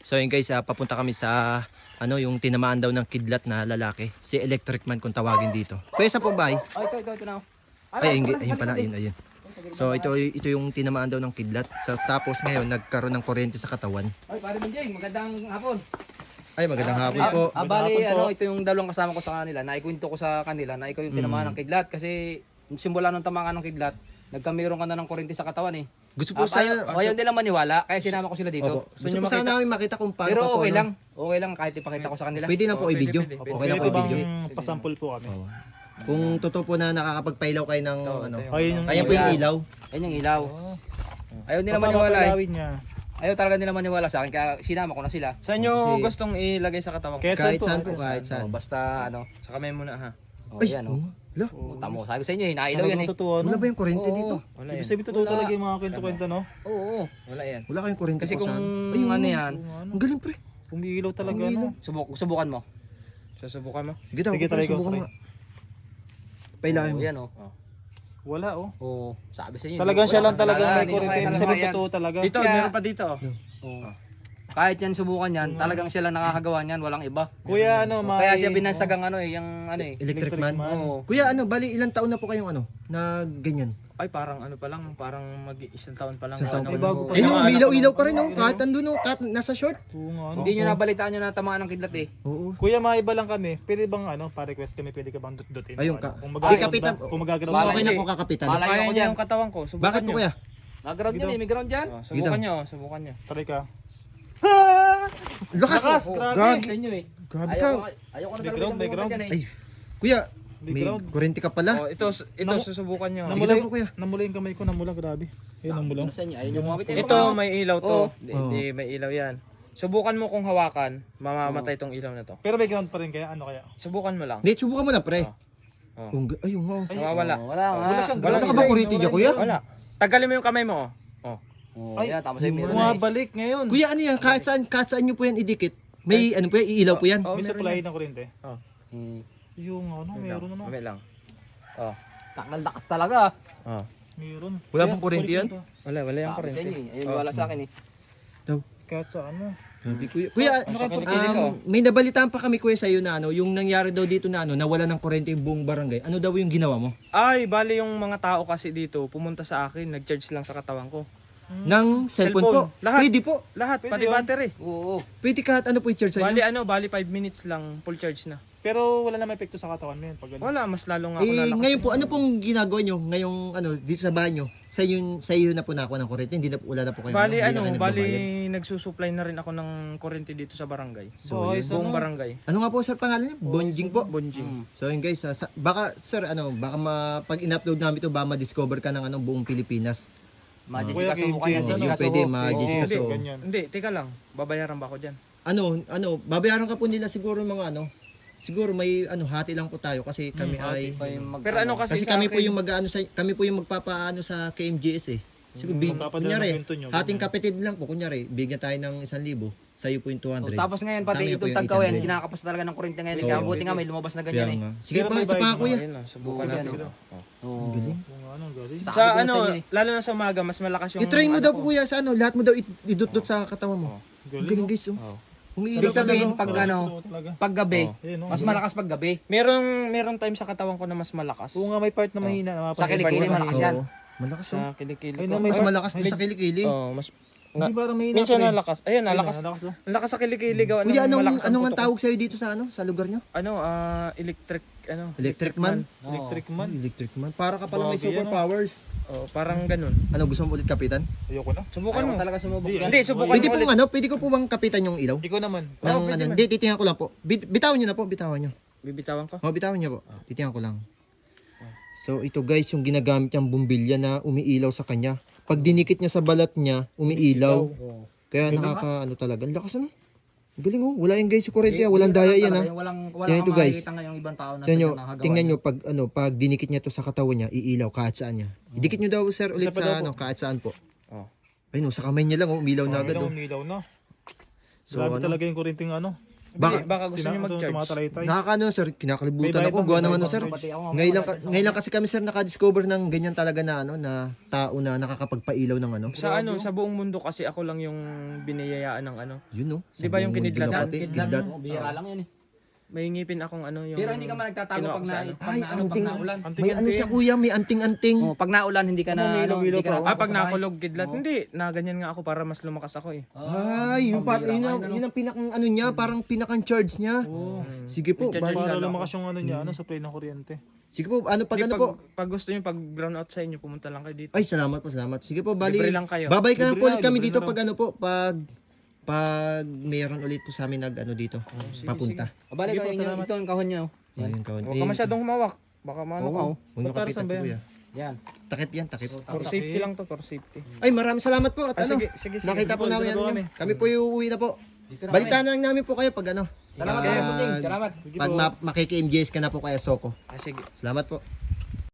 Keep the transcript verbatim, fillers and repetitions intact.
So yun guys, uh, papunta kami sa ano yung tinamaan daw ng kidlat na lalaki. Si Electric Man kung tawagin dito. Pwesa po ba ay? Ay, ito, ito, ito na. Ay, ayun, ayun pala, ayun, ayun. So ito ito yung tinamaan daw ng kidlat. So tapos ngayon nagkaroon ng kuryente sa katawan. Ay, pare Benjing, magandang hapon. Ay, magandang hapon po. Ah, bali, ano, ito yung dalawang kasama ko sa kanila. Naikwento ko sa kanila na ikaw yung tinamaan ng kidlat. Kasi simula nung tamaan ng kidlat, nagkamiron ka na ng kuryente sa katawan eh. Gusto po Ah, sa ayaw, ayaw nila maniwala, kaya sinama ko sila dito. Opo. Gusto po sana namin makita kung paano Pero pa po. okay ano. lang. Okay lang kahit ipakita ko sa kanila. Pwede na po Oh, i-video. pwede, pwede. Okay lang po Pwede i-video. bang pasample po kami? Oo. Kung totoo po na nakakapagpailaw kayo ng Oo, ano. tayo. Ayun yung Kaya po yung ilaw. Yan yung ilaw. Ayaw nila maniwala eh. Papapalawin niya. Ayaw talaga nila maniwala sa akin, kaya sinama ko na sila. Saan nyo Kasi- gustong ilagay sa katawan ko? Kahit Kahit saan saan po, kahit saan. Oh, basta ano. Sa kamay muna ha. Oh, Ay, yan oh. Lo, Puta mo, sabi ko sa inyo, eh, nailaw yan eh. Talagang totoo, wala no? ba yung kuryente Oo. dito? Wala Ibig yan. sabihin totoo Wala. talaga yung mga kwento-kwento, no? Oo. oo. Wala yan. Wala kayong kuryente Kasi po kung saan? Ayun, ano yan, Kung ano, Ang galing pre. umiilaw talaga, Umiilaw. no? subuk subukan mo. Susubukan mo? Sige daw, Sige, try ko, subukan try. mo nga. Pailahin Oh, mo. yan oh. Wala, oh. Oo, sabi sa inyo. Talagang wala siya lang talaga, talaga may hindi ko kuryente. kaya Ibig talaga sabihin yan. totoo talaga. Dito, Kaya- meron pa dito. oh. Oo. Kahit yan subukan yan, talagang siya lang nakakagawa niyan, walang iba. Kuya, ano, may... Kaya siya binansagang ano eh, yung ano eh. Electric Electric man. man. Oo. Kuya, ano, bali ilang taon na po kayong ano, na ganyan? Ay, parang ano pa lang, parang mag isang taon pa lang. Isang taon Ano, pa Ay, bago pa. Ayun, Mga oh, anak ilaw-ilaw ko pa rin, ng- oh. Kahit andun, oh, kahit nasa short. Oo nga, ano? Hindi nyo nabalitaan nyo na tamaan ng kidlat eh. Oo. Kuya, maiba lang kami. Pwede bang ano, pa-request kami, pwede ka bang dut-dutin? Ayun Ano? ka. Kung Di, magagalaw kapitan. ba? Kung magagalaw Bala ba? Okay na hindi. po kakapitan. Bala- Kaya ako niya dyan. yung katawan ko. Subukan Bakit po nyo. kuya? Nag-ground yan eh, may ground dyan. Oh, subukan nyo, oh, subukan nyo. Try ka. Lakas! Lakas, Oh, grabe. Gagi. Sa inyo eh. Grabe Ayaw ka. ko, ayaw ko na talaga Background, yung background. dyan eh. Ay, kuya, may Background. kuryente ka pala. Oh, ito, ito Namu- susubukan nyo. Sige Namula daw yung, po kuya. namula yung kamay ko, namula, grabe. Ayun, namula. Ano sa inyo? Ayaw nyo kumapit eh. Ito, may ilaw to. Oo. Hindi, Oo. hindi, may ilaw yan. Subukan mo kung hawakan, mamamatay tong ilaw na to. Pero may ground pa rin kaya, ano kaya? Subukan mo lang. Hindi, subukan mo lang pre. Oh. Kung, ayun mo. Ay, Nawawala. Oo, wala nga. Wala siyang Wala ground. ka ba kuryente dyan kuya? Wala. Tagalin mo yung kamay mo. Oh. Oo, Ay, yan, tapos ay meron na eh. Bumabalik ngayon. Kuya, ano yan? Kahit saan, kahit saan nyo po yan idikit. May ano po yan, iilaw po yan. Oh, May meron supply yan. ng kuryente. Hmm. Yung ano, Wait lang, meron ano. wait lang. Oh. Takal lakas talaga. Oh. Meron. Wala Kaya, pong kuryente yan? kuryente. Wala, wala yung Sabi sa inyo kurente. eh. Ayaw wala sa akin eh. Kahit sa ano. Sabi, kuya, kuya Ano ka pagkilig ko? um, may nabalitaan pa kami kuya sa iyo na ano, yung nangyari daw dito na ano, nawala ng kuryente yung buong barangay. Ano daw yung ginawa mo? Ay, bali yung mga tao kasi dito, pumunta sa akin, nag-charge lang sa katawan ko. Ng cellphone, Cellphone. po. Lahat. Pwede po. Lahat, Pwede pati yun. battery. Oo. Pwede kahit ano po i-charge sa Bali inyo. ano, bali five minutes lang, full charge na. Pero wala naman epekto sa katawan mo yun. Pag ano. Wala, mas lalo nga ako Eh, nalakas. ngayon po, ano pong ginagawa nyo? Ngayong ano, dito sa bahay nyo? Sa iyo, sa iyo na po nakuha ng kuryente? Hindi na po, wala na po kayo. Bali hindi ano, na kayo bali nagbabayad? nagsusupply na rin ako ng kuryente dito sa barangay. So, Boys, yun. Buong ano? barangay. Ano nga po sir pangalan niya? Bonjing po. Bonjing. Hmm. So yun guys, ah, sa, baka sir ano, baka ma, pag in-upload namin ito, baka ma-discover ka ng anong buong Pilipinas. Majessica Kuya, subukan Kim yan. Kim, Yung Jessica pwede, subo. ma-Jessica Hindi, so. ganyan. Hindi, teka lang. Babayaran ba ako dyan? Ano, ano, babayaran ka po nila siguro mga ano. Siguro may ano, hati lang po tayo kasi kami Hmm, ay Pa yung mag- Pero ano kasi, kasi sa kami po akin- yung mag-ano sa kami po yung magpapaano sa K M G S eh. Siguro Hmm, big, magpapadala kunyari, ng kwento nyo, hating ganyan. kapatid lang po, kunyari, bigyan tayo ng isang libo, sa'yo po yung two Oh, hundred. tapos ngayon pati Sa amin po itong yung tagkaw yan, eight hundred. kinakapos talaga ng kuryente ngayon. Oo. Kaya buti nga may lumabas na Kaya ganyan eh. nga. Sige Pero pa, may isa pa bayad kuya. Ayun, oh, subukan Oo, natin. yan, ito. oh. Oh. Oo. Galing. Kung ano, galing. Sa Sa akin ano, din eh. lalo na sa umaga, mas malakas yung I-try mo ano daw ko. po kuya sa ano, lahat mo daw i- idut-dut sa katawan mo. Galing. Galing guys, oh. Oh. Umiilaw Ibig sabihin, talaga. pag Galing, ano, totoo talaga. pag gabi, Oh. Ayun, oh. mas malakas pag gabi. Merong, merong time sa katawan ko na mas malakas. Oo nga, may part na mahina. Sa kilikili, malakas yan. Oo. Malakas oh. Sa kilikili Ay, ko. na may- Mas malakas din sa kilikili. Oh, mas, Hindi parang mahina. minsan pa rin. nalakas. Ayun, nalakas. Ayun, nalakas, oh. Ang lakas sa kilikili gawa ng Kuya, anong, malakas ang anong ang putok ko. tawag sa'yo dito sa ano, sa lugar nyo? Ano, ah, electric, ano? Electric man? Electric man. Electric man. Para ka pala may Bagay yan, superpowers. Oh, parang ganun. Ano, gusto mo ulit kapitan? Ayoko na. Subukan Ayaw mo. ko talaga sumubok Hindi, yan. Hindi, subukan Pwede mo pong ulit. ano, pwede ko po bang kapitan yung ilaw? Ikaw naman. Ng Oo, pwede ano, man. hindi, titingnan ko lang po. Bit, bitawan nyo na po, bitawan nyo. Bibitawan ko. O, bitawan nyo po. Titingnan ko lang. So, ito guys, yung ginagamit niyang bumbilya na umiilaw sa kanya. Pag dinikit niya sa balat niya, umiilaw. Kaya nakaka, ano talaga, ang lakas ano. Ang galing oh, wala yung guys yung kurente, ah. Walang daya yan ah. Yung walang, walang Tingnan ito, guys. makikita ngayong ibang tao na Tingnan nyo, sa nakagawa tingnan niya. nyo, pag, ano, pag dinikit niya to sa katawan niya, iilaw kahit saan niya. Idikit nyo daw sir ulit Isa pa daw sa po. ano, kahit saan po. Oh. Ayun oh, sa kamay niya lang oh, umilaw na agad Umilaw, oh. umilaw na. So, Grabe ano? talaga yung kuryenteng ano. Baka- Baka, baka gusto Tina- nyo mag-charge. Tumatalaytay. Nakakaano sir, kinakalibutan May bayad ako. lang, Gawa may ng bayad ano lang. sir. Pati ako, Ngayon lang, mamaya, ngayon lang kasi kami sir nakadiscover ng ganyan talaga na ano na tao na nakakapagpailaw ng ano. Sa ano, sa buong mundo kasi ako lang yung biniyayaan ng ano. Yun no. Di ba yung kinidlatan? Pati, Kidlat, kidlat. oh, bihira lang yan eh. May ngipin akong ano yung... Pero hindi ka man nagtatago kinuha pag ko na, sa ano. pag Ay, na, ano, pag anting. naulan. May ano siya kuya, may anting-anting. Oh, pag naulan hindi ka na Ano, ano, ilaw-ilaw hindi ka pa, na oh. Ah, pag sa bahay. nakulog kidlat. Hindi, na ganyan nga ako para mas lumakas ako eh. Ah, Ay, yung pa, pambihira yun, ka, ang, ano. yun ang pinakang ano niya, parang pinakang charge niya. Oh. Mm. Sige po, Nagcha-charge bali- Para Lalo lumakas yung ano niya, ano, supply ng kuryente. sige po, ano pag Hindi, ano pag, po? pag gusto nyo, pag brown out sa inyo, pumunta lang kayo dito. Ay, salamat po, salamat. Sige po, bali. Libre lang kayo. Babalik na Libre po ulit na, kami libre dito na pag ano po, pag pag mayroon ulit po sa amin nag ano dito, sige, papunta. O balik Sige ko po, inyo, salamat. ito ang kahon niya. Oh. Yan. Ayun kawan. Huwag ka masyadong humawak. Baka maano Oo, ka. oh. Huwag niyo Para kapitan saan ba si yan? kuya. Yan. Takip yan, takip. For safety lang to, for safety. Ay, maraming salamat po at Ah, ano. sige, sige, sige. Nakita po Sige po, namin dito ano po kami. kami. Kami po yung uuwi na po. Dito na Balitaan kami. na lang namin po kayo pag ano. Salamat Pag- kayo, Puting. Salamat. Sige Pag po. ma- makiki-M J S ka na po kaya Soko. Ah, sige. Salamat po.